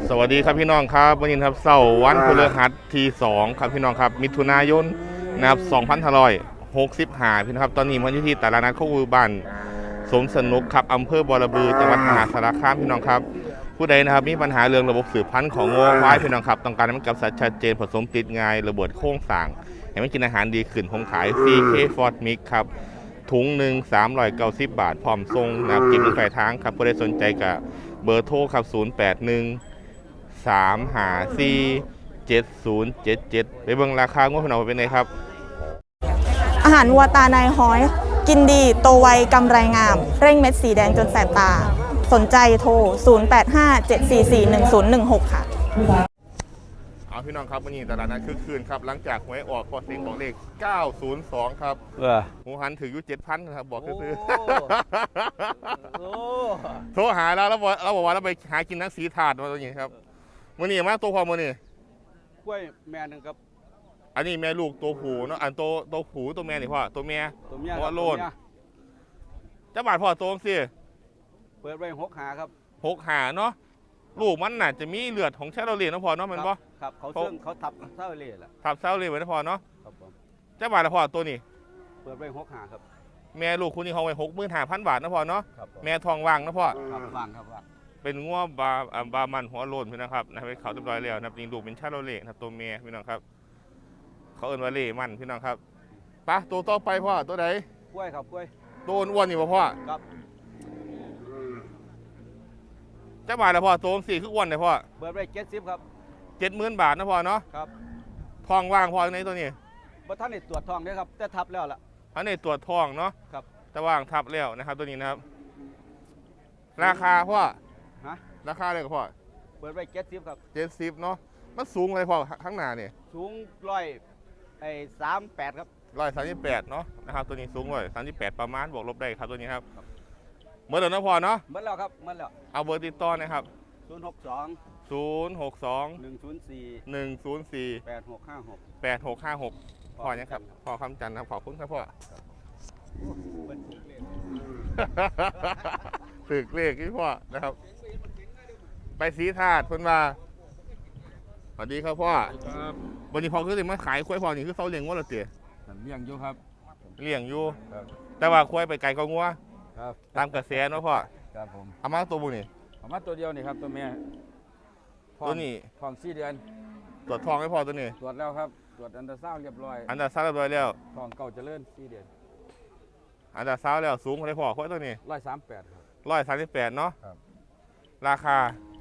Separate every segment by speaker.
Speaker 1: สวัสดีครับพี่น้องครับวันนี้ครับเสาร์วันพฤหัสที่2ครับพี่น้องครับมิถุนายนนะครับ2565พี่น้องครับตอนนี้มันอยู่ที่ตลาดนัดโคกบ้านสมสนุกครับอำเภอบอระบือจังหวัดมหาสารคามพี่น้องครับผู้ใดนะครับมีปัญหาเรื่องระบบสืบพันธุ์ของงัวควายพี่น้องครับต้องการให้มันกับสัตว์ชัดเจนผสมติดง่ายระเบิดโค้งสั่งให้มันกินอาหารดีขึ้นผมขาย CK Ford Mix ครับถุงหนึ่ง390 บาทพร้อมทรงนะครับกินเป็นปลายทางครับผู้ใดสนใจกับเบอร์โทรครับ081 354 7077ไปเบิ่งราคางวดพนันเป็นไงครับ
Speaker 2: อาหารวัวตาในห้อยกินดีโตไวกำไรงาม เร่งเม็ดสีแดงจนแสบตา สนใจโทร 0857441016 ค่ะ
Speaker 1: เอาพี่น้องครับวันนี้ตลาดนัดคึกคืนครับหลังจากหวยออกพอเสียงของเลข902ครับหมูหันถืออยู่ 7,000 ครับบอกซื้อโทรหาเราบอกว่าเราไปหากินนักสีถาดมาตัวนี้ครับมื้อนี้มาตัวพอมื้อนี้
Speaker 3: กล้วยแม่นึงครับ
Speaker 1: อันนี้แม่ลูกตัวผู้เนาะอันตัวผู้ตัวแม่นี่พ่อตัวเมียเพราะว่าโลนเจ้าบาทพ่อตัวสิ
Speaker 3: เปิดไว้6 หาครับ
Speaker 1: 6 หาเนาะลูกมันน่ะจะมีเลือดของชาโรเลียนะพ่อเนาะมันบ่
Speaker 3: ครับเขาทับเท่าเล่แหละ
Speaker 1: ทับเซาเลียไว้นะพ่อเนาะ
Speaker 3: ครับผม
Speaker 1: เจ้าบาทละพ่อตัวนี้
Speaker 3: เปิดไว้6 หาครับ
Speaker 1: แม่ลูกคุณนี่ห้องไว้65,000 บาทนะพ่อเนาะแม่ทองว่างนะพ่อ
Speaker 3: ว่างครับว่าง
Speaker 1: เป็นงัวบามันหัวโลนพี่นะครับนะไปเขาเรียบร้อยแล้วนะจริงลูกเป็นชาโรเลียนะตัวเมียพี่น้องครับเขาเอิ้นว่าเล่มันพี่น้องครับปะตัวต่อไปพ่อตัวไหน
Speaker 3: กล้วยครับกล้วย
Speaker 1: ตัวอ้วนนี่พ่อ
Speaker 3: ครับ
Speaker 1: เจ้าบาทละพ่อตัว4คืออ้วนเลยพ่อ
Speaker 3: เปิดไว้70ครับ
Speaker 1: 70,000 บาทนะพ่อเนาะ
Speaker 3: ครับ
Speaker 1: ทองว่างพ่อในตัวนี้
Speaker 3: บ่ท่านได้ตรวจทองด้วยครับแต่ทับแล้วล่ะ
Speaker 1: อันนี้ตรวจทองเนาะ
Speaker 3: ครับ
Speaker 1: แต่ว่างทับแล้วนะครับตัวนี้นะครับราคาพ่อราคาเลยกับพ่อ
Speaker 3: เปิดไว้70ครับ
Speaker 1: 70เนาะมันสูงเลยพ่อข้างหน้าเนี่ย
Speaker 3: สูง138ครับ
Speaker 1: 138เนาะนะครับตัวนี้สูง138ประมาณบวกลบได้ครับตัวนี้ครับเมื่อเดือนนะพ่อเนาะ
Speaker 3: เมื่อแล้วครับเมื่อแล้ว
Speaker 1: เอาเบอร์ติดต่อนะครับ
Speaker 3: 062
Speaker 1: 8656พ่อเนี่ยครับพ่อคำจันทร์ครับขอบคุณครับพ่อตึกเลขที่พ่อนะครับไปสีถาดคนมาสวัสดีครับพ่อวันนี้พ่อคือถึงมาขายควายพ่อนี่คือเขาเลี้ยงวัวหรือเตี๋ย
Speaker 3: เลี้ยงอยู่ครับ
Speaker 1: เลี้ยงอยู่แต่ว่าควายไปไกลก็งัวตามกระแสเนาะพ่อ
Speaker 3: ครับผม
Speaker 1: เอามาตัวบุนี่
Speaker 3: เอามาตัวเดียวนี่ครับตัวเมีย
Speaker 1: ตัวนี้
Speaker 3: ทอง4 เดือน
Speaker 1: ตรวจทองให้พ่อตัวนี้
Speaker 3: ตรวจแล้วครับตรวจอันตราซาวด์เรียบร้อย
Speaker 1: อันตราซาวด์เรียบร้อยแล้ว
Speaker 3: ทองเก่าเจริญ4 เดือน
Speaker 1: อันตราซาวด์แล้วสูงเลยพ่อควายตัวนี้
Speaker 3: 138ครับ
Speaker 1: 138เนาะราคา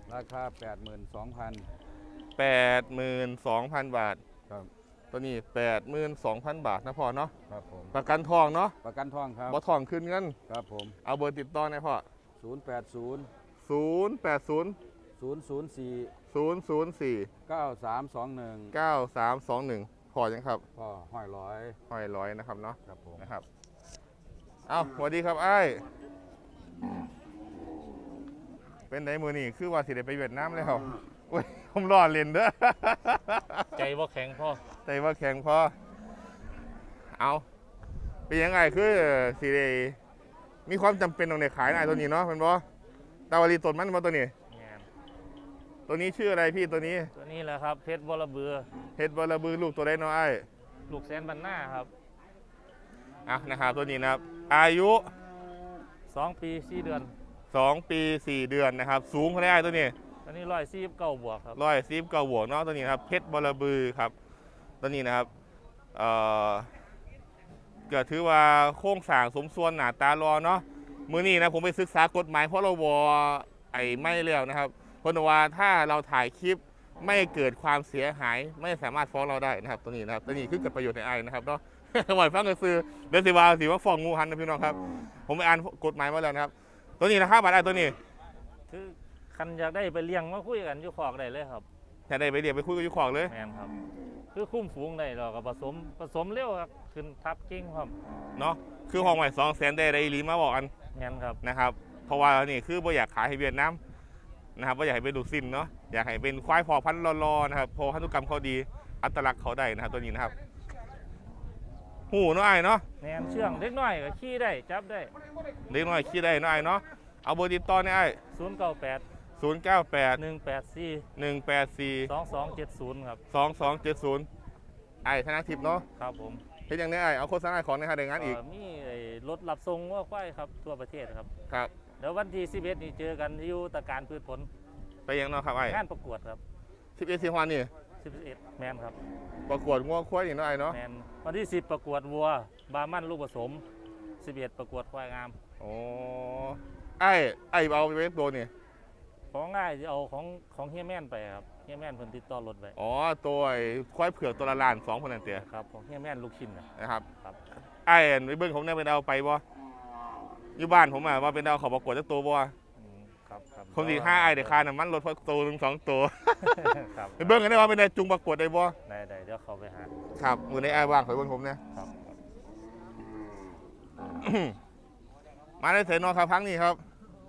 Speaker 3: 82,000 บาท
Speaker 1: ครับตัวนี้82,000 บาทนะพ่อเนาะ
Speaker 3: ครับผม
Speaker 1: ประกันทองเนาะ
Speaker 3: ประกันทองครับ
Speaker 1: บ่ทองขึ้นเงิน
Speaker 3: ครับผม
Speaker 1: เอาเบอร์ติดต่อหน่อยพ่อ080
Speaker 3: 9321
Speaker 1: พอยังครับ
Speaker 3: พ่อห้อย
Speaker 1: ร้อยนะครับเนาะ
Speaker 3: ครับผม
Speaker 1: นะครับเอาสวัสดีครับไอ้เป็นไหนมือนี่คือว่าสิได้ไปเวียดนามแล้วโอ้ยผมรอเล่นเด้อ
Speaker 4: ใจว่าแข็งพ่อ
Speaker 1: ใจว่าแข็งพ่อเอาเป็นยังไงคือสิได้มีความจำเป็นต้องในขายนายตัวนี้เนาะเป็นบ่ตาวารีต้นมันมาตัวนี้ตัวนี้ชื่ออะไรพี่ตัวนี้
Speaker 4: แหละครับเพชรบอระเบือ
Speaker 1: ลูกตัวได้น้อย
Speaker 4: ลูกแสนบันหน้าครับ
Speaker 1: นะครับตัวนี้นะครับอายุ
Speaker 4: 2 ปี 4 เดือน
Speaker 1: 2 ปี 4 เดือนนะครับสูงเท่าไหร่ตัวนี้
Speaker 4: 149 บวกครับ
Speaker 1: 149 บวกเนาะตัวนี้ครับเพชรบอระบือครับตัวนี้นะครับก็ถือว่าโครงสร้างสมส่วนหน้าตารอเนาะมื้อนี้นะผมไปศึกษากฎหมายพรบไม่แล้วนะครับเพราะว่าถ้าเราถ่ายคลิปไม่เกิดความเสียหายไม่สามารถฟ้องเราได้นะครับตัวนี้นะครับตัวนี้คือเกิดประโยชน์ในไอนะครับเนาะหวังฟังกระซือเดซิวาสิว่าฟ้องงูหันนะพี่น้องครับผมไปอ่านกฎหมายมาแล้วนะครับตัวนี้นะครับบัตรไอตัวนี้
Speaker 4: คือคันอยากได้ไปเลี้ยงมาคุยกันอยู่ขอกได้เลยครับ
Speaker 1: อยากได้ไปเลี้ยงไปคุยกันอยู่ขอกเลย
Speaker 4: แม่นครับคือคุ้มฝูงได้เราก็ผสมเร็วครับขึ้นทับกิ้งครับ
Speaker 1: เนาะคือห้องใหม่200,000ได้รีมาบอกกัน
Speaker 4: แม่นครับ
Speaker 1: นะครับเพราะว่านี่คือบ่อยากขายให้เวียดนามนะครับบ่อยากให้เป็นดูซินเนาะอยากให้เป็นควายพอพันธุ์รอนะครับพอพันธุกรรมเขาดีอัตลักษณ์เขาได้นะครับตัวนี้นะครับหูน้อยเนาะ
Speaker 4: แหนมเชื่องเล็กน้อยก็ขี่ได้จับได้
Speaker 1: เล็กน้อยขี่ได้น้อยเนาะเอาเบอร์ติดต่อเนี่ยไอ้
Speaker 4: 098
Speaker 1: 098
Speaker 4: 184
Speaker 1: 184
Speaker 4: 2270ครับ
Speaker 1: 2270ไอ้ธนทิพย์เนาะ
Speaker 4: ครับผม
Speaker 1: เฮ็ดอย่างนี้ไอ้เอาโฆษณาของในหาได้งานอีก
Speaker 4: มีไอ้รถรับส่งว่าควายครับทั่วประเทศครับ
Speaker 1: ครับ
Speaker 4: เดี๋ยววันที่11นี่เจอกันอยู่ตะการพืชผล
Speaker 1: ไปยังเนาะครับไอ้
Speaker 4: งานประกวดครับ
Speaker 1: 11สิงหาคมนี่
Speaker 4: 11แมนครับ
Speaker 1: ประกวดงัวควายนี่เนาะไอ้เนาะ
Speaker 4: แมนวันที่10ประกวดวัวบาร์มันลูกผสม11ประกวดควายงาม
Speaker 1: โอ้ไอ้เอาไปเว้นตัวนี่
Speaker 4: ของง่ายจะเอาของเฮียแม่นไปครับเฮียแม่นเพิ่นติดต่อรถไว้
Speaker 1: อ๋อตัวไอ้ควายเผือกตัวละล้าน2,000นั่นเตีย
Speaker 4: ครับของเฮียแม่นลูกชิ้นนะ
Speaker 1: นะครับ
Speaker 4: ครับ
Speaker 1: ไอ้ไปเบิ่งผมเนี่ยเป็นเอาไปบ่อยู่บ้านผมว่าเป็นเอาเขาประกวดจักตัวบ่
Speaker 4: ครับครับ
Speaker 1: คนสิ5ไอ้เดี๋ยวค่าน้ำมันรถพอตัวหนึง2ตัว
Speaker 4: ครับ
Speaker 1: ไปเบิ่งกันได้ว่าเป็นได้จุงประกวดได้บ่
Speaker 4: ได้เดี๋ยวเขาไปหา
Speaker 1: ครับมื้อนี้ไอ้ว่างขอเบิ่งผมเนี่ย
Speaker 4: ครับ
Speaker 1: มาได้เสร็จนอนครับพังนี่ครับ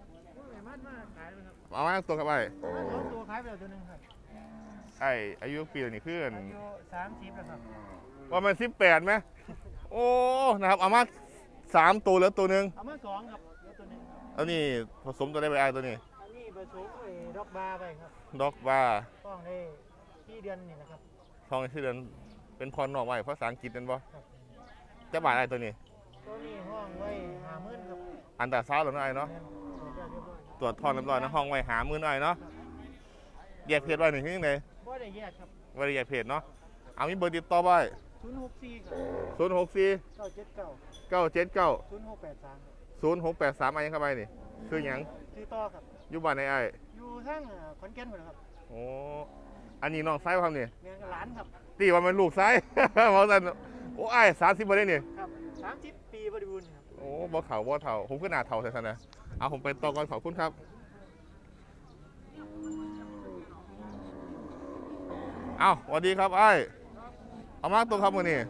Speaker 1: เอามาตัวครับไอ้
Speaker 5: ตัวขายไปแล้วตัวหนึงครับ
Speaker 1: ไอ้อายุปีนี่คือ
Speaker 5: อายุ30แล้วครับ
Speaker 1: ว่ามัน18ไหมโอ้นะครับเอามา3ตัวแล้วตัวหนึง
Speaker 5: เอามา2ครับแล้วตัวหนึงครับ
Speaker 1: แล้วนี่ผสมตัวได้ไปไอ้ตัวนี้
Speaker 5: อันนี้ผสมไอ้ดอกบาร์ไปครับ
Speaker 1: ด็อกบาร์
Speaker 5: ต้องได้ที่เดือนนี่นะครับ
Speaker 1: ทองที่เดือนเป็นพรนอกไว้ภาษาอังกฤษนั่นบ่
Speaker 5: ครับ
Speaker 1: จะบาทไอ้ตัวนี้
Speaker 5: ตัวนี้ห้องไว้50,000ครับ
Speaker 1: อันตราซาวด์หรือไอ้เนาะ
Speaker 5: แม่นเรียบร้อย
Speaker 1: ตรวจทอนเรียบร้อยนะห้องไว้50,000ไอ้เนาะแยกเพจไว้หนึ่งที่ยังไง
Speaker 5: บ่ได้แยกครับ
Speaker 1: ว่าได้แยกเพจเนาะเอามีเบอร์ติดต่อไว้
Speaker 5: 064ครับ
Speaker 1: 064
Speaker 5: 979
Speaker 1: 979
Speaker 5: 0683ครับ
Speaker 1: 0683ไอ้ยังเข้าไปนี่คือหยัง
Speaker 5: ซื้อต่อครับ
Speaker 1: อยู่บ้านไอ้
Speaker 5: อยู่ทางขอนแก่นพุ่นครับ
Speaker 1: โอ้อันนี้น้องไซส์ครับนี่
Speaker 5: แม่นหลานครับ
Speaker 1: ตีว่ามันลูกไซส์ เพราะฉะนั้นโอ้ไอ้30บ่ได้นี่
Speaker 5: ครับ30ปีบริบูรณ์ครับ
Speaker 1: โอ้บ่เฒ่าบ่เฒ่าผมก็หน้าเฒ่าแท้ๆนะเอาผมไปต่อก่อนขอบคุณครับเอาสวัสดีครับไอ้เอามาตัวครับมื้อนี้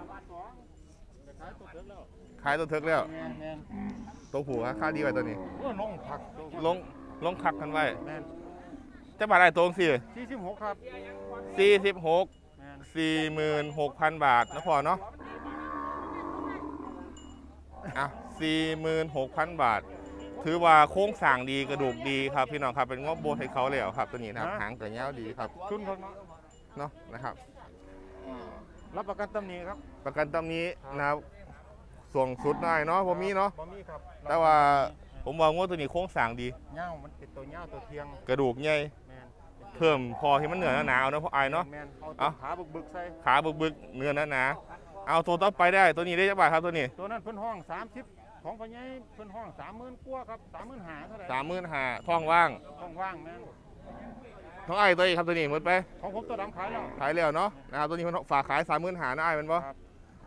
Speaker 1: ขายตัวเถิกแล้ว
Speaker 5: แม่น
Speaker 1: ตัวผู้ค่าดีไว้ตัวนี้
Speaker 5: โอ้ลงผัก
Speaker 1: ลงคักกันไว้
Speaker 5: แม่น
Speaker 1: จะบาทได้ตรงสิ
Speaker 5: 46ครับ
Speaker 1: 46
Speaker 5: แม่น
Speaker 1: 46,000 บาทนะพอเนาะอ่ะ46,000 บาท ถือว่าโค้งสร้างดีกระดูกดีครับพี่น้องครับเป็นงบโบให้เขาแล้วครับตัวนี้นะครับหางกระเง้าดีครับ
Speaker 5: ทุนครับ
Speaker 1: เนาะนะครับ
Speaker 5: รับประกันตำหนิครับ
Speaker 1: ประกันตำนี้นะครับส่วงสุดหน่อยเนาะผมมีเนาะ
Speaker 5: บ่มีครับ
Speaker 1: แต่ว่าผมว่างวดตัวนี้โค้งสร้างดี
Speaker 5: เหย้ามันเป็นตัวเหย้าตัวเทียง
Speaker 1: กระดูกใหญ่
Speaker 5: แม่น
Speaker 1: เพิ่มพอที่มันเหนือหนาๆเอาเนาะเพราะไอายเนาะ
Speaker 5: แม่นเอา
Speaker 1: เอ้า
Speaker 5: ตัวขาบึกๆใส่
Speaker 1: ขาบึกๆเนื้อหนาๆเอาตัวต่อไปได้ตัวนี้ได้จักบาทครับตัวนี้
Speaker 5: ตัวนั้นเพิ่นห้อง30ของพ่อใหญ่เพิ่นห้อง30,000กว่าครับ35,000เท่าไหร่
Speaker 1: 35,000ท้องว่าง
Speaker 5: ห้องว่างแม่น
Speaker 1: ท้องไอ้ตัวนี้ครับตัวนี้หมดไป
Speaker 5: ของผมตัวดำขายแล้ว
Speaker 1: ขายแล้วเนาะนะครับตัวนี้มันฝากขาย35,000นะไอ้มันบ่
Speaker 5: ครับ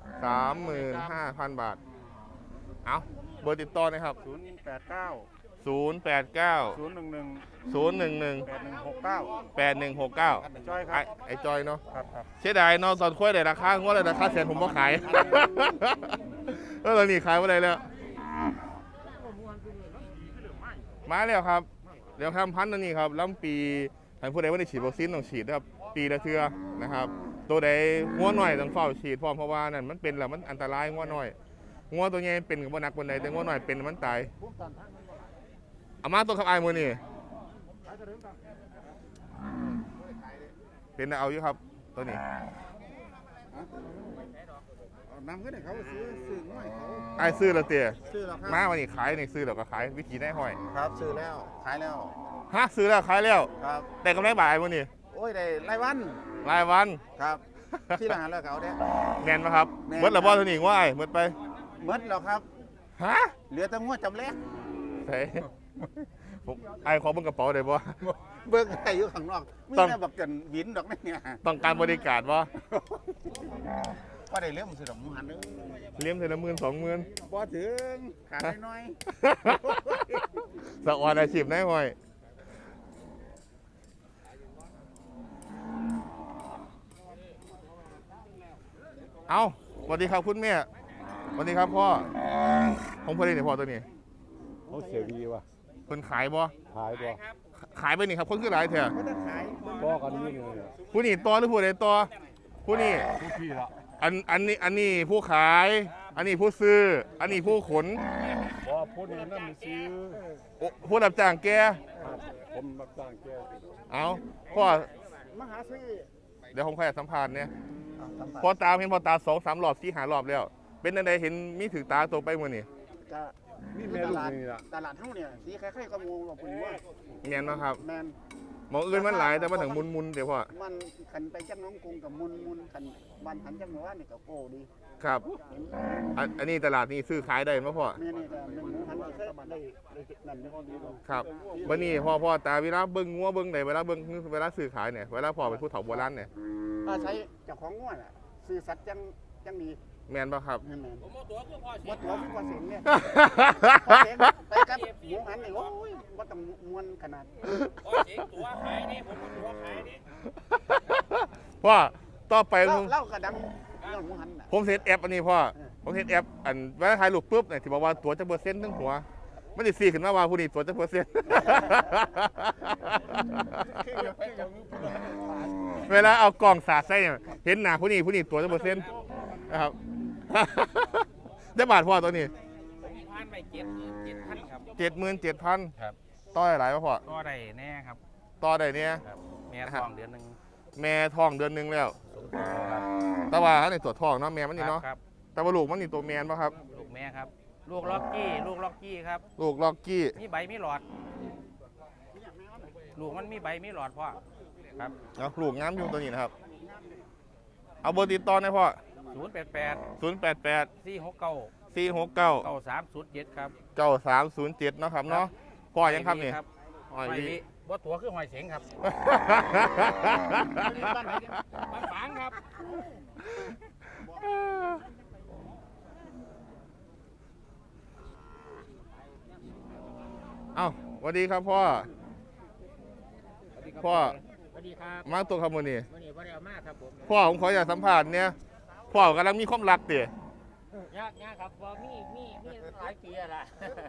Speaker 1: 35,000 บาทเอาเบอร์ติดต่อนะครับ
Speaker 5: 089
Speaker 1: 089
Speaker 5: 011
Speaker 1: 011
Speaker 5: 8169
Speaker 1: 8169
Speaker 5: จอยค
Speaker 1: ไอ้
Speaker 5: รับ
Speaker 1: ไอ้จอยเนาะ
Speaker 5: ครับ
Speaker 1: เสียดายเนาะตอนค่อยได้ราคางวดได้ราคาแสนผมบ่ขาย แล้วตอนนี้ขายบ่ได้แล้ว มาแล้วครับ เดี๋ยวทำพันธุ์ตัวนี้ครับลำปีท่านผู้ใดว่าได้ฉีดวัคซีนต้องฉีดนะครับปีละเทื่อนะครับ ตัวใดงัวหน่อยต้องเฝ้าฉีดพร้อมเพราะว่านั่นมันเป็นแล้วมันอันตรายงัวหน่อยงัวตัวใหญ่เป็นกับบ่หนักปานใดแต่งัวหน่อยเป็นมันตายเอามาตัวครับอายมือนี่เป็นเอาอยู่ครับตัวนี้
Speaker 5: นำขึ้นให้เขาซื้อน้อยเขา
Speaker 1: ไอ้ายซื้อแล้วเตี๋ย
Speaker 5: ซื้อแล้วครับ
Speaker 1: มาวันนี้ขายนี่ซื้อแล้วก็ขายวิธีได้ห้อย
Speaker 5: ครับซื้อแล้วขายแล้ว
Speaker 1: ฮะซื้อแล้วขายแล้ว
Speaker 5: ครับ
Speaker 1: แต่กำไรบ่ายมือนี่
Speaker 5: โอ้ยได้รายวัน
Speaker 1: รายวัน
Speaker 5: ครับ ที่ร้านแล้วเขาเนี่ย
Speaker 1: แมนไหมครับ
Speaker 5: แม่น
Speaker 1: เมื่อละบ่ตัวนี้ว่าไอ้เมื่อไป
Speaker 5: หมดแล้วครับ
Speaker 1: ฮะ
Speaker 5: เหลือแต่งวดจำแลก
Speaker 1: ใช่ผมไอ้ขอเบิ่งกระเป๋าได้บ่
Speaker 5: เบิกได้อยู่ข้างนอกมี
Speaker 1: ต้อง
Speaker 5: แต่บักกันวินดอกนี่เนี่ย
Speaker 1: ต้องการบริการบ่
Speaker 5: ก็ได้เลี้ยงสิดอกหมูหันเด้อ
Speaker 1: เลี้ยงเทอละ10,000 20,000
Speaker 5: บ่ถึงขาดน้อย
Speaker 1: สะออนอาชีพได้ห้อยเอาสวัสดีครับคุณแม่สวัสดีครับพ่อของพ่อเล่นเนี่ยพ่อตัวนี้
Speaker 3: เขาเสียดีว่ะ
Speaker 1: เพิ่นขายบ่
Speaker 3: ขายบ่
Speaker 1: ขายไปนี่ครับคนคือหลายแท้
Speaker 5: ๆบ่ได้ขาย
Speaker 3: บ่กันนี่เลย
Speaker 1: ผู้นี่ต่อหรือผู้ใดต่อผู้นี่
Speaker 3: ทุกที่ละ
Speaker 1: อันนี้ผู้ขาย อันนี้ผู้ซื้อ อันนี้ผู้ขน
Speaker 3: บ่พูดนี่นั่นมันซื้อ
Speaker 1: โอ้ผู้รับจ้างแก
Speaker 3: ครับผมรับจ้างแก
Speaker 1: เอาพ่อ
Speaker 5: มาหาซื้อ
Speaker 1: เดี๋ยวผมขอสัมภาษณ์เนี่ย
Speaker 5: สัมผัส
Speaker 1: พอตาเห็นพอตา2-3 รอบ4-5 รอบแล้ว เป็นอะไรเห็นมีถือตาตัวไปมื้อนี่
Speaker 5: ก็
Speaker 3: นี่แม่ลูกนี่ล่ะ
Speaker 5: ตลาดเฮาเนี่ยสีคล้ายๆกับหมูว่าเป็นว่า
Speaker 1: แม่นเนาะครับ
Speaker 5: แมน
Speaker 1: หมองอื่นมันหลายแต่มันถึงมุนๆเดี๋ยวพ่อ
Speaker 5: มันขันไปจังน้องกรุงกับมุนขันวันหันจังหมู่บ้านนี่ก็โก้ดี
Speaker 1: ครับอันนี้ตลาดนี้ซื้อขายได้มั้ยพ่อ
Speaker 5: แม่นี่ก็เป็นหมูหันก็ได้นั่นนี่
Speaker 1: ครับวันนี้พ่อตาเวลาเบิ่งงัวเบิ่งไหนเวลาเบิ่งเวลาซื้อขายเนี่ยเวลาพ่อเป็นผู้เฒ่าโบราณเนี่ย
Speaker 5: อาศัยเจ้าของง่วนอ่ะซื้อสัตว์จังดี
Speaker 1: แม่นป่ะครับ
Speaker 5: แม่นๆบ่ตัวคือพอเสียงเนี่ยพอเสียงไปกับหมูหันนี่โอ้ยบ่ต้องมวนขนาด
Speaker 1: พ่อต่อไป
Speaker 5: เล่ากระดังเรื่องหมูหันน่ะ
Speaker 1: ผมเซตแอปอันนี้พ่อผมเซตแอปอันเวลาถ่ายรูปปุ๊บเนี่ยที่บอกว่าตัวจะเปอร์เซ็นต์ทั้งหัวมันจะ4ขึ้นมาว่าผู้นี้ตัวจะเปอร์เซ็นต์ เวลาเอากล่องสาดใส่เนี่ยเห็นหน้าผู้นี้ตัวจะเปอร์เซ็นต์นะครับ ได้บาทพ่อตัวนี้
Speaker 6: ผ่านไป7,000ครับ
Speaker 1: 77,000
Speaker 6: ครับ
Speaker 1: ต่อหลายป่ะพ่อ
Speaker 6: ก็ได้แน่ครับ
Speaker 1: ต่อได้เนี่ย
Speaker 6: ครับแม่ท้องเดือนหนึง
Speaker 1: แม่ท้องเดือนหนึงแล้ว
Speaker 6: สมบูรณ์ครับ
Speaker 1: แต่ว่าในตัวท้องเนาะแม่มันนี่เนาะ
Speaker 6: ครับ
Speaker 1: แต่ว่าลูกมันนี่ตัวแมนป่ะครับ
Speaker 6: ลูกแม่ครับ ลูกล็อกกี้ครับ
Speaker 1: ลูกล็อกกี้
Speaker 6: มีใบมีหลอด ลูกมันมีใบมีหลอดพ่อครับ
Speaker 1: เอาลูกงามอยู่ตัวนี้นะครับ เอาเบอร์ติดต่อหน่อยพ่อ
Speaker 6: 088
Speaker 1: 088
Speaker 6: 469
Speaker 1: 469
Speaker 6: 9307ครับ
Speaker 1: 9307เนาะครับเนาะพ่อยังครับนี่
Speaker 6: ครับ
Speaker 1: อ๋
Speaker 6: ห
Speaker 1: อ
Speaker 6: อย
Speaker 1: นี่
Speaker 6: วิบ่ตัวคือหอยเสงครับบ้านไหนเนี่ยบ้านฝางครับ
Speaker 1: เอ้าสวัสดีครับพ่อ พ่อ
Speaker 6: สวัสดีครับ
Speaker 1: มาตัวคำมือนี่
Speaker 6: วันนี้บ่ได้เอามาครับผม
Speaker 1: พ่อผมขออยากสัมภาษณ์เนี่ยพ่อกำลังมีความรักเตี๋ย
Speaker 6: ยากครับว่ามีหลายปีแล้วล่ะ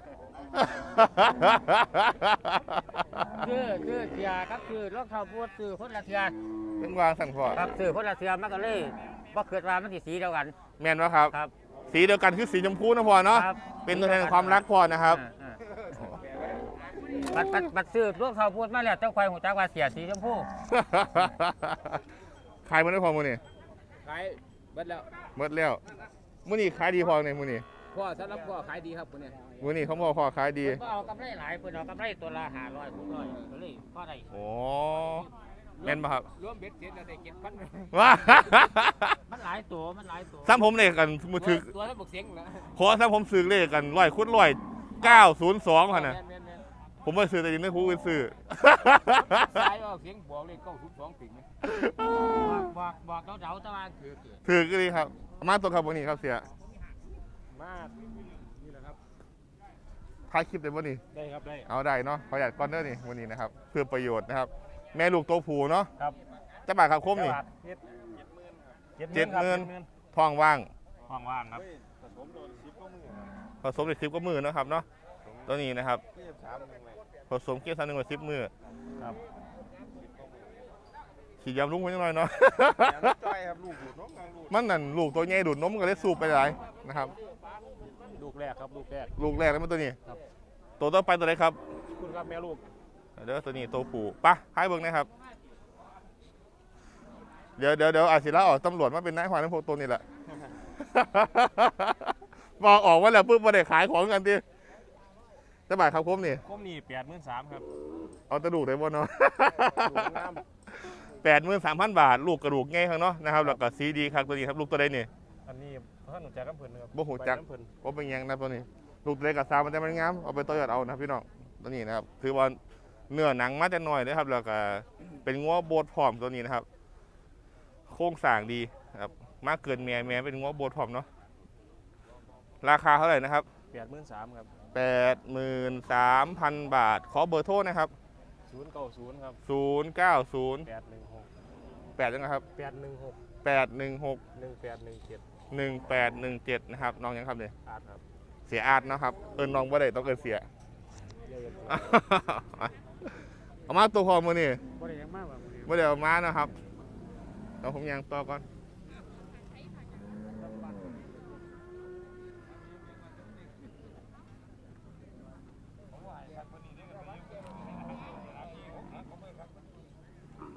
Speaker 6: คือเสียครับคือรองเท้าบูทซื้อคนละเทีย
Speaker 1: เป็นวางสั่งพ่อ
Speaker 6: ครับซื้อคนละเทียมันก็เลยบ่เกิดว่ามันสิสีเดียวกัน
Speaker 1: แมนวะครับ
Speaker 6: ครับ
Speaker 1: สีเดียวกันคือสีชมพูนะพ่อเนาะ
Speaker 6: ครับ
Speaker 1: เป็นตัวแทนของความรักพ่อนะครับ
Speaker 6: บัดซื้อรองเท้าบูทมาแล้วเจ้าควายหูจักว่าเสียสีชมพู
Speaker 1: ขายมันได้พอมือนี่
Speaker 7: ขายเบิดแล้ว
Speaker 1: หมดแล้วมือนี่ขายดีพอในมือนี่
Speaker 7: พ่อสำหรับพ่อขายดีครับคนเนี้ย
Speaker 1: มือนี่เขาพ่อขายดี
Speaker 6: เพิ่นบ่เอากำไรหลายเพิ่นเอากำไรตัวละ500 600ก็เลยพอได้
Speaker 1: โอ้แม่นปะครับ
Speaker 7: รวมเบ็ดเสร็จแล้วได้7,000
Speaker 1: ว้า
Speaker 6: มันหลายตัว
Speaker 1: ซ้ำผมเลขกันมือถือ
Speaker 7: ตัวละบวกเสียงนะ
Speaker 1: ขอซ้ำผมซื้อเลขกัน100/902ค่ะนะ
Speaker 7: แม่น
Speaker 1: ผมไม่ซื้อแต่ยินไม่พูดซื้อ
Speaker 7: ๆสายเอาเสียงบอกเลย902ติ่งไหม
Speaker 6: บอกเดาๆแต่ว่าคือ
Speaker 1: ถือก็ดีครับเอามาตัวครับวันนี้ครับเสีย
Speaker 7: มากนี่แหละครับ
Speaker 1: ถ่ายคลิปได้วันนี้
Speaker 7: ได้ครับได้
Speaker 1: เอาได้เนาะประหยัดก้อนเด้อนี่วันนี้นะครับเพื่อประโยชน์นะครับ แม่ลูกตัวผูเนาะ
Speaker 6: ครับ
Speaker 1: จะบาทครับคมนี่ 70,000ท้องว่าง
Speaker 6: ว่างๆครับ
Speaker 1: ผสมเด็ก10 กว่ามือเนาะครับเนาะตัวนี้นะครับผสมเกี๊ยว3 1 10 มือ
Speaker 6: ครับ
Speaker 1: ขี่ยำลุงไว้ยังไงเนาะ
Speaker 3: จ้อยครับลูกดูดน้องลูก
Speaker 1: มันนั่นลูกตัวใหญ่ดูดนมก็เลยสูบไปหลายนะครับ
Speaker 7: ลูกแรกครับลูกแรก
Speaker 1: ลูกแรกแล้วมันตัวนี้
Speaker 7: ครับ
Speaker 1: ตัวต่อไปตัวไหนครับ
Speaker 7: คุณครับแม่ลูก
Speaker 1: เดี๋ยวตัวนี้ตัวผูปะให้เบิ่งนะครับ เดี๋ยวอาศิระออกตำรวจมาเป็นนายความทั้งพวกตัวนี้แหละ บอกออกว่าแล้วปุ๊บมาได้ขายของกันดิจะบาทครับคมนี่
Speaker 7: คมนี่83,000ครับ
Speaker 1: เอากระดูกได้บ่เนาะ
Speaker 7: ลูกงาม
Speaker 1: 83,000 บาท ลูกกระดูกง่ายครับเนาะนะครับแล้วก็ซีดีครับตัวนี้ครับลูกตัวใดนี่
Speaker 7: อันนี้ท่านหนูจักน้ำเพิ่นครับ
Speaker 1: บ่หูจัก
Speaker 7: ไปน้ำเพิ่น
Speaker 1: ว่าเป็นหยังนะตัวนี้ ลูกตัวใดกับซามันจะมันงามเอาไปต่อยอดเอานะครับพี่น้องตัวนี้นะครับถือว่าเนื้อหนังมาแต่น้อยนะครับแล้วก็เป็นงัวโบดพร้อมตัวนี้นะครับ โครงสร้างดีนะครับมากเกินแม่เป็นงัวโบดพร้อมเนาะราคาเท่าไหร่นะครับ
Speaker 7: 83,000ครับ
Speaker 1: 83,000 บาท ขอเบอร์โทรนะครับ
Speaker 7: 090ครับ
Speaker 1: 090
Speaker 7: 816
Speaker 1: 8ยังไงครับ
Speaker 7: 816
Speaker 1: 816
Speaker 7: 1817
Speaker 1: 1817นะครับน้องยังครับเนี่ย
Speaker 7: อาร์ตครับ
Speaker 1: เสียอาร์ตนะครับน้องบ่ได้ต้องเอินเสีย
Speaker 7: เยอะ
Speaker 1: เอามาตัวพอมือนี่
Speaker 7: บ่ได้ยังมากกว่ามื้อนี้
Speaker 1: บ่ได้เอามานะครับเอาผมยังต่อก่อน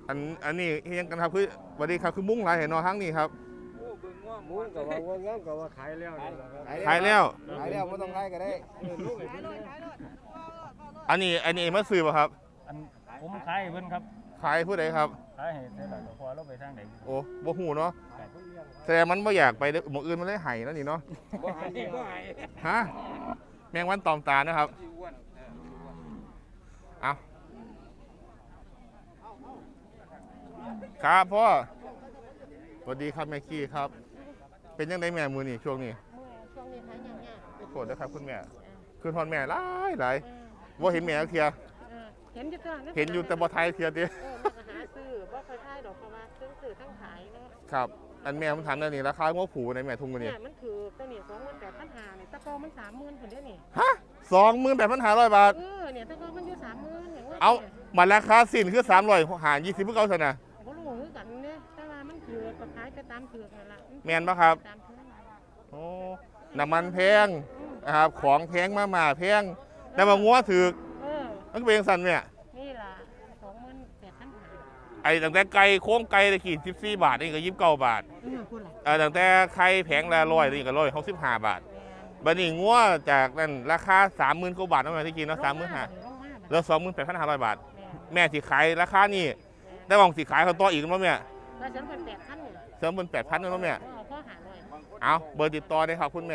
Speaker 1: อันนี้เฮียงกันครับคือสวัสดีครับคือมุ้งลายเห็นนอทั้งนี้ครับ
Speaker 3: มุ้งกับว่าง้างกับว่าขายแล้วนี่แหละครับ
Speaker 1: ขายแล้ว
Speaker 5: ขายแล้วบ่ต้องขายก็ได้
Speaker 1: อันนี้มาซื้อป่ะครับ
Speaker 4: อันผมขายให้เพิ่นครับ
Speaker 1: ขายผู้ใดครับ
Speaker 4: ขายให้เท่าไหร่ก็พอเราไปทางไหน
Speaker 1: โอ้บ่หูเนาะแต่มันบ่อยากไปหมองอื่นมันเลยไห้แล้วนี่เนาะ
Speaker 7: บ่หายดีบ่หาย
Speaker 1: ฮะแมงวันตอมตานะครับ
Speaker 7: ที่อ้วน
Speaker 1: เอาครับพ่อสวัสดีครับแม่กี้ครับ เป็นยังไงแม่มือนี่ช่วงนี้
Speaker 8: ช่วงนี้หายาก
Speaker 1: โกรธนะครับคุณแม่คือทอนแม่หลายว่าเห็นแม่เทีย
Speaker 8: เห็นอยู่ตัว
Speaker 1: เห็นอยู่แต่บ่ไทยเทียติ
Speaker 8: แม่ก็หาซื้อบ่ค่อยขายดอกเพราะว่าซื้อทั้งขายเนาะ
Speaker 1: ครับ อันแม่ผมถามนั่นนี่ราคางบผูในแม่ทุ่งกัน
Speaker 8: เนี่
Speaker 1: นี่
Speaker 8: ยมันคือตัวนี้28,500นี่ตะกอมัน30,000พุ่นเด้อนี่
Speaker 1: ฮะ28,500 บาท
Speaker 8: เนี่ยตะกอมันอยู่30,000อย่างว่า
Speaker 1: เอามันราคาสิ้นคือ300หาร20เพื่อเก่าซะนะ
Speaker 8: บ่รู้คือกันเด้แต่ว่ามันคือก็ขายไปตามเถือกนั่นล่ะ
Speaker 1: แม่นปะครับ
Speaker 8: ตามเถือก
Speaker 1: โอ้น้ำมันแพงนะครับของแพงมาแพงแต่ว่างัวถือก มันก็เป็นจังซั่นแม่
Speaker 8: นี่ล่ะ28,500
Speaker 1: ไอ้ตั้งแต่ไก่โค้งไก่ตะกี้14 บาทนี่ก็29 บาท
Speaker 8: พุ่นล่ะ
Speaker 1: ตั้งแต่ไข่แผงละ100นี่ก็165 บาทบัดนี้งัวจากนั้นราคา 30,000 กว่าบาทนั่นแหละที่กินเนาะ35,000เหลือ 28,500 บาท แม่สิขายราคานี่ได้หวังสิขายเขาต่ออีกมั้ยแม่
Speaker 8: แล้วฉันเป็น8,000นี่
Speaker 1: เสริมเป็น 8,000นั่นมั้ยแม่
Speaker 8: พ่อหาหน่อย
Speaker 1: เอาเบอร์ติดต่อได้ครับคุณแม่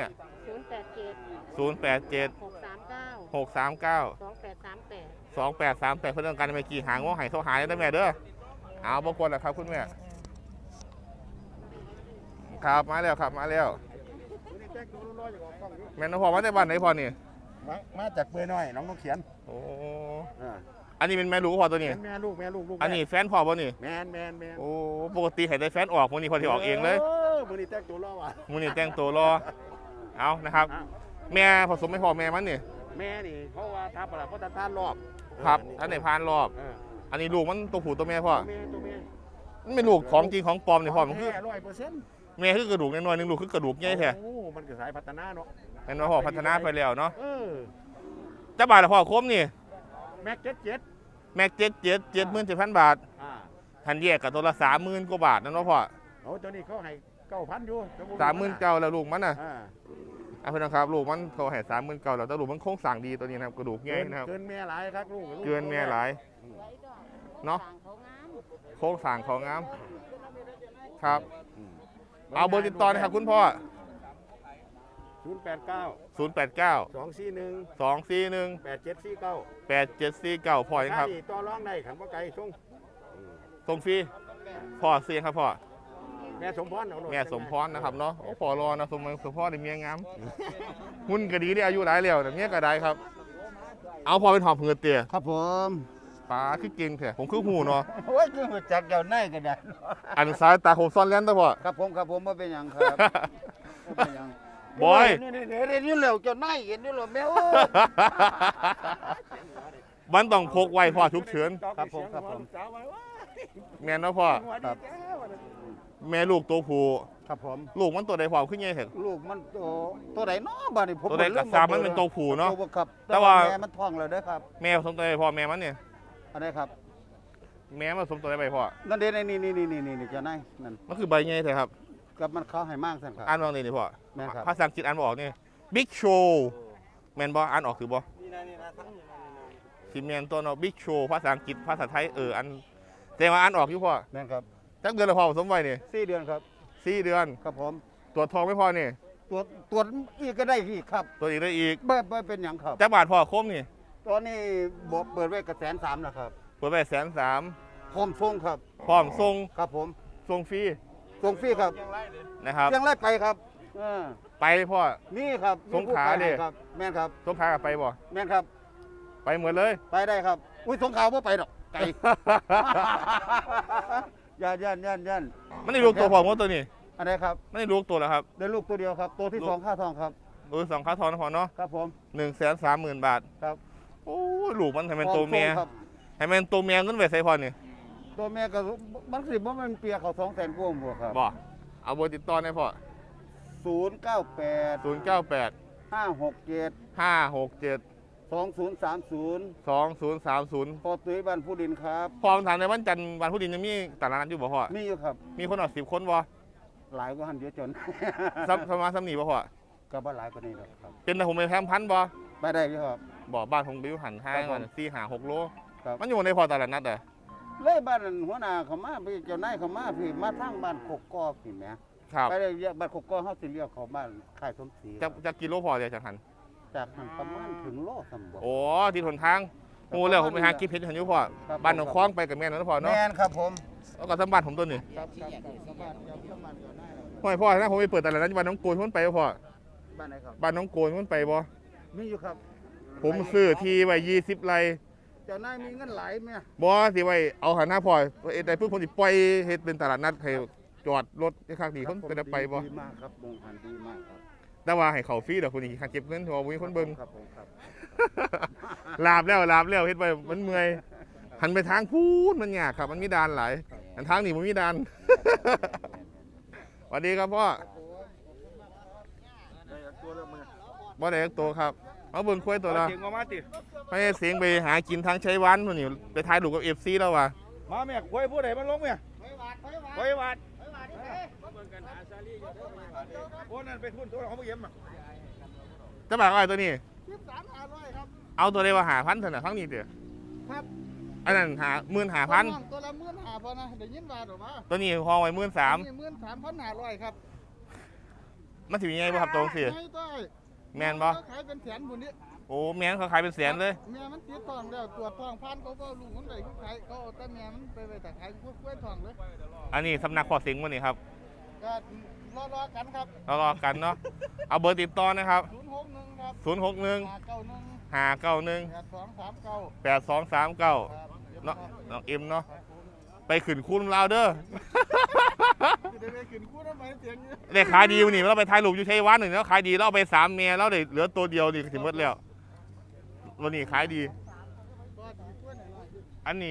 Speaker 8: 087
Speaker 1: 087
Speaker 8: 639
Speaker 1: 639
Speaker 8: 2838
Speaker 1: 2838เพื่อนกันเมื่อกี้หางว่าหายโทรหาได้แม่เด้อเอาบกวนแล้วครับคุณแม่ครับมาแล้วครับมาแล้วแม่น้องพ่อมาจากบ้านไหนพ่อนี่
Speaker 5: มาจากเปื่อยน้อยน้องนกเขียน
Speaker 1: โอ้
Speaker 5: อ่า
Speaker 1: อันนี้เป็นแม่ลูกพ่อตัวนี้
Speaker 5: แม่ลูกลูก
Speaker 1: อันนี้แฟนพ่อป่ะนี่
Speaker 5: แมน
Speaker 1: โอ้ปกติให้ได้แฟนออกมื้อนี้พอที่ออกเองเลย
Speaker 5: มื้อนี้แต่งตัวรอว่ะ
Speaker 1: มื้อนี้แต่งตัวรอเอานะครับ แม่ผสมไม่พอแม่มันนี่
Speaker 5: แม่นี่เพราะว่าทับอะไรเพราะตาต้านรอบ
Speaker 1: ครับอันไหนพานรอบ
Speaker 5: เออ
Speaker 1: อันนี้ลูกมันตัวผู้ตัวแม่พ่อ
Speaker 5: ตัวแม่
Speaker 1: มันเป็นลูกของจริงของปลอมนี่พ่อมันคือ
Speaker 5: 100%
Speaker 1: แม่คือกระดูกน้อยๆนึงลูกคือกระดูกใหญ่แท้
Speaker 5: โอ้มันก็สายพัฒนาเนาะ
Speaker 1: แม่นว่าพ่อพัฒนาไปแล้วเนาะ
Speaker 5: เ
Speaker 1: จะบาทละพ่อคมนี่
Speaker 5: แม็กเจ็ด
Speaker 1: แม็ก77,000 บาท
Speaker 5: อ่า
Speaker 1: ทันแยกกับตัวละ30,000 กว่าบาทนั่นเนาะพ่อ
Speaker 5: โอ้ตัวนี้เขาให้9,000อยู่
Speaker 1: 39,000แล้วลูกมันน่ะ
Speaker 5: อ่า
Speaker 1: เอาเพื่อนนะครับลูกมันเขาให้39,000แล้วแต่ลูกมันโค้งสั่งดีตัวนี้นะครับกระดูกใหญ่นะครับ
Speaker 5: เกินแม่หลายครับลูก
Speaker 1: เกินแม่หลายเนาะ
Speaker 8: เขางาม
Speaker 1: โค้งสั่งของงามครับเอาเบอร์ติดต่อนะครับคุณพ่อ
Speaker 5: 089
Speaker 1: 089
Speaker 5: 241
Speaker 1: 241
Speaker 5: 8749
Speaker 1: 8749พ่อยังครับ
Speaker 5: ต่อรองได้ขันบ่ไกลส่ง
Speaker 1: ส่งฟรีพ่อเสียงครับพ่อ
Speaker 5: แม่สมพรเอาโลด
Speaker 1: แม่สมพรนะครับเนาะโอ้พอรอนะสมพรได้เมียงามหุ่นก็ดีได้อายุหลายแล้วแต่เมียก็ได้ครับ เอาพอเป็นหอบเหือเตี๋ย
Speaker 5: ครับผม
Speaker 1: ปลาคือเก่งแท้ผมคือหูเนาะ
Speaker 5: โอ้ยคือจักเจ้าในก็ได้
Speaker 1: อันซ้ายตาผมซ่อนเล่นตะพ่อ
Speaker 5: ครับผมบ่เป็นหยังครับบ่เป็นหยัง
Speaker 1: บอย
Speaker 5: นี่เห็นอยู่แล้วเจ้าในเห็นอยู่แล้วแม่โอ้ย
Speaker 1: มันต้องพกไว้พ่อฉุกเฉิน
Speaker 5: ครับผม
Speaker 1: แม่นเนาะพ่อ
Speaker 5: ครับ
Speaker 1: แม่ลูกตัวผู้
Speaker 5: ครับผม
Speaker 1: ลูกมันตัวใดพ่อขึ้นใหญ่เถอะ
Speaker 5: ลูกมันตัวไหนเนาะบัดนี้ผม
Speaker 1: ตัวใดกระซามันเป็นตัวผู้เนาะ
Speaker 5: ครับ
Speaker 1: แต่ว่า
Speaker 5: แม่มันท้องแล้วเด้อครับ
Speaker 1: แม่ผสมตัวใดพ่อแม่มันเนี่ย
Speaker 5: อันนี้ครับ
Speaker 1: แม่มันผสมตัวใดไปพ่อ
Speaker 5: นั่นเด้นี่เจ้านายนั่น
Speaker 1: มันคือใบใหญ่เถอะครับ
Speaker 5: กับมันเขาให้มากสั่นครับ
Speaker 1: อ่านว่าไงนี่พ่อ
Speaker 5: แม่นครับ
Speaker 1: ภาษาอังกฤษอ่านบ่ออกนี่ Big Show แม่นบ่อ่านออกคือบ่สิแม่นตัวเนาะ Big Show ภาษาอังกฤษภาษาไทยอันแต่ว่าอ่านออกอยู่พ่อ
Speaker 5: แม่นครับ
Speaker 1: จักเดือนละพ่อผสมไว้นี่
Speaker 5: 4 เดือนครับ
Speaker 1: 4 เดือน
Speaker 5: ครับผม
Speaker 1: ตรวจทองไม่พอนี่
Speaker 5: ตรวจอีกก็ได้อีกครับ
Speaker 1: ตรวจอีกได้อีก
Speaker 5: บ่เป็นหยังครับ
Speaker 1: จักบาทพ่อคมนี่
Speaker 5: ตอนนี้บอกเปิดไว้กับ130,000นะครับ
Speaker 1: เปิดไป130,000
Speaker 5: พร้อมส่งครับ
Speaker 1: พร้อมส่ง
Speaker 5: ครับผม
Speaker 1: ส่งฟรี
Speaker 5: ส่งฟรีครับ
Speaker 1: นะครับ
Speaker 5: ยังไล่ไปครับเออ
Speaker 1: ไปพ่อ
Speaker 5: นี่ครับ
Speaker 1: สงขลา
Speaker 5: มีผู้ไป
Speaker 1: ดิ
Speaker 5: ให้ครับแม่นครับ
Speaker 1: สมพากับไปบ่
Speaker 5: แม่นครับ
Speaker 1: ไปหมดเลย
Speaker 5: ไปได้ครับ อุ้ยสงขลาบ่ไปดอกไกล ย่าน
Speaker 1: มันได้ลูกตัวพ่อหมดตัวนี้
Speaker 5: อันไหนครับ
Speaker 1: มันได้ลูกตัวแล้วครับ
Speaker 5: ได้ลูกตัวเดียวครับ ตัวที่
Speaker 1: ลูก
Speaker 5: สองค่าทองครับ
Speaker 1: สองค่าทองนะพ่อเนาะ
Speaker 5: ครับผม
Speaker 1: 130,000 บาท
Speaker 5: ครับ
Speaker 1: โอ้ยลูกมันให้มันตัวเมีย
Speaker 5: พร้อส่งครับ
Speaker 1: ให้มันตัวเมียเงินไว้ใส่พ่อนี่
Speaker 5: ตัวแม่ก็มันสิบ่มันเปียเขา200,000กว่าหมดครับ
Speaker 1: บ่เอาเบอร์ติดต่อได้พ่อ
Speaker 5: 098
Speaker 1: 098
Speaker 5: 567
Speaker 1: 567
Speaker 5: 2030
Speaker 1: 2030
Speaker 5: พอตุ้ยบ้านผู้ดินครับ
Speaker 1: พอถามในวันจันทร์วันพุธดินยังมีตลาดนัดอยู่บ่พ่อ
Speaker 5: มีอยู่ครับ
Speaker 1: มีคนเอา10 คนบ่
Speaker 5: หลายกว่าหันเยอะจน
Speaker 1: สมาสำนีบ่พ่อ
Speaker 5: ก็บ่หลายกว่านี้หรอกครับ
Speaker 1: เป็นแต่ผมไปแพมพันบ่
Speaker 5: ไปได้อยู่ครับ
Speaker 1: บ่บ้านผมไปอยู่หันห้าง
Speaker 5: ครับผม
Speaker 1: มัน4-5-6 โล
Speaker 5: ครับ
Speaker 1: มันอยู่ในพอตลาดนัดเหรอ
Speaker 5: เลยบ้านหัวหน้าเขามาพี่เจ้านายเขามาพี่มาทางบ้านกกอกพี่แหม
Speaker 1: ครับ
Speaker 5: ไปได้เรียกบ้านกกอกเฮาสิเรียกเขาบ้านค่ายสมศรี
Speaker 1: จะกิโลพอเดียวจากหัน
Speaker 5: จากหันประมาณถึงโลสมบูรณ์
Speaker 1: โอ้ที่ทนทางโอ้แล้วผมไปหากินเพชรหันอยู่พ่อ
Speaker 5: ครับ
Speaker 1: บ้านหนองคล้องไปกับแม่นนพ่อเนาะ
Speaker 5: แม่นครับผม
Speaker 1: แล้วก็สมบัติผมตัวนี้
Speaker 5: ครับสบายครับสบายก่อนได้
Speaker 1: พ่อให้พ่อนะผมไปเปิดตลาดนัดบ้านน้องโกนพ้นไปบ่พ่อ
Speaker 5: บ้านไหนครับ
Speaker 1: บ้านน้องโกนพ้นไปบ่
Speaker 5: มีอยู่ครับ
Speaker 1: ผมซื้อที่ไว้20 ไร่
Speaker 5: เจ้านายมีเงินหลายไหม
Speaker 1: บ่สิไว้เอาหันหน้าพ่อได้เพิ่งผมสิปล่อยเฮ็ดเป็นตลาดนัดให้จอดรถให้ข้างดีคนเป็นไปบ่
Speaker 5: ดีมากครับวงหันดีมากครับ
Speaker 1: แต่ว่าให้เขาฟรีดอกคนนี้ค่าเก็บเงินเพราะว่าบ่มีคนเบิ่ง
Speaker 5: ครับผมครับ
Speaker 1: ลาบแล้วเฮ็ดไปมันเมื่อยหันไปทางพูนมันยากครับมันมีด่านหลายอันทางนี้มันมีด่าน สวัสดีครับพ่อบ่ได้ตัวครับเอาเบิ่งคุยตัวละ
Speaker 3: เก่งมาติ
Speaker 1: ไปเสียงไปหากินทางชัยวันพุ่นนี่ไปถ่ายรูปกับ FC แล้วว่ะ
Speaker 3: มาแม่คุยผู้ใดมันลงแม่คุยวัดโอ้นั่นไปทุนตัวเขาไม่เยี่ยม
Speaker 1: จะบอกอะไรตัวนี้
Speaker 5: 13,500ครับ
Speaker 1: เอาตัวได้ว่า5,000เท่านั้นทั้งนี้เด้อ
Speaker 5: ครับ
Speaker 1: อันนั้น15,000
Speaker 5: ตัวละ15,000นะได้ยินว่าหรือว่า
Speaker 1: ตัวนี้ห้องไว้
Speaker 5: นี่ 13,500ครับ
Speaker 1: 13,000มันสิมีไงบ่ครับตรงสิ
Speaker 5: ให้ต้อย
Speaker 1: แม่นบ่
Speaker 5: ขายเป็นแสนบุญนี้
Speaker 1: โอ้แม่นเขาขายเป็นแสนเลย
Speaker 5: แม่มันติดทองแล้วตรวจทองพันเขาก็ลูกมันได้ขายเขาเอาแต่แม่มันไปแต่ขายกล้วยทองเลย
Speaker 1: อันนี้สำนักพ่อสิงห์บ่นี่ครับ
Speaker 5: ก็รอกันครับ
Speaker 1: รอกันเนาะเอาเบอร์ติดต่อนะครับ
Speaker 5: 061ครับ
Speaker 1: 061
Speaker 5: 591
Speaker 1: 591
Speaker 5: 8239
Speaker 1: 8239เนาะน้องเอ็มเนาะไปขึ้นคุณลาวเด้อ
Speaker 5: จะได้ขึ้นคู่ทำไมเสียงเยอะ
Speaker 1: ได้ขายดีวันนี้เราไปถ่ายรูปอยู่ชัยวัฒน์หนึ่งแล้วขายดีเราเอาไป3เมียแล้วได้เหลือตัวเดียวนี่ถึงหมดแล้ววันนี้ขายดี
Speaker 5: ก็ดีกล้วยหน่อย
Speaker 1: อันนี้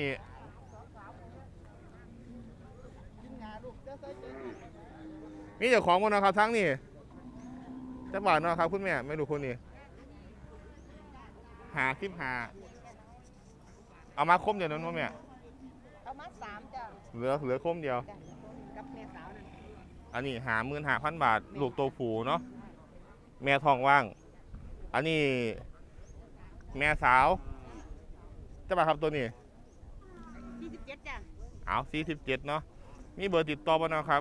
Speaker 5: กินงาลูกจะใส่ใจ
Speaker 1: มีเจ้าของหมดนะครับทั้งนี่จะบาทเนาะครับคุณแม่ไม่รู้คนนี้หาเอามาคมเดียวนั้นว่าแม่
Speaker 8: เอามา3จ้ะ
Speaker 1: เหลือคมเดียว
Speaker 8: กับแม่สาวนั่น
Speaker 1: อันนี้55,000 บาทลูกตัวผูเนาะแม่ทองว่าง อันนี้แม่สาวจะบาทครับตัวนี้
Speaker 8: 47จ้ะ
Speaker 1: เอา47เนาะมีเบอร์ติดต่อบ่เนาะครับ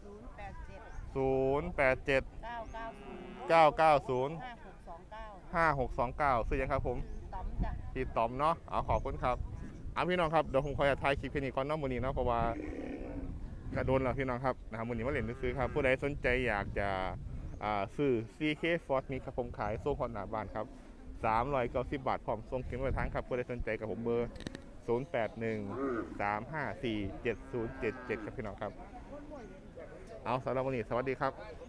Speaker 8: 087
Speaker 1: 087
Speaker 8: 990
Speaker 1: 990
Speaker 8: 5629
Speaker 1: 5629ซื้อยังครับผม
Speaker 8: ต้อมจ้ะ
Speaker 1: พี่ต๋อมเนาะเอาขอบคุณครับเอาพี่น้องครับเดี๋ยวผมขอจะถ่ายคลิปแค่นี้ก่อนเนาะมื้อนี้เนาะเพราะว่ากระโดนแล้วพี่น้องครับนะครับมื้อนี้มาเล่นซื้อครับผู้ใดสนใจอยากจะซื้อ CK Ford Mix ครับผมขายโซ่พอหน้าบ้านครับ390 บาทพร้อมส่งถึงปลายทางครับผู้ใดสนใจกับผมเบอร์081 354 7077ครับพี่น้องครับเอาสำหรับวันนี้สวัสดีครับ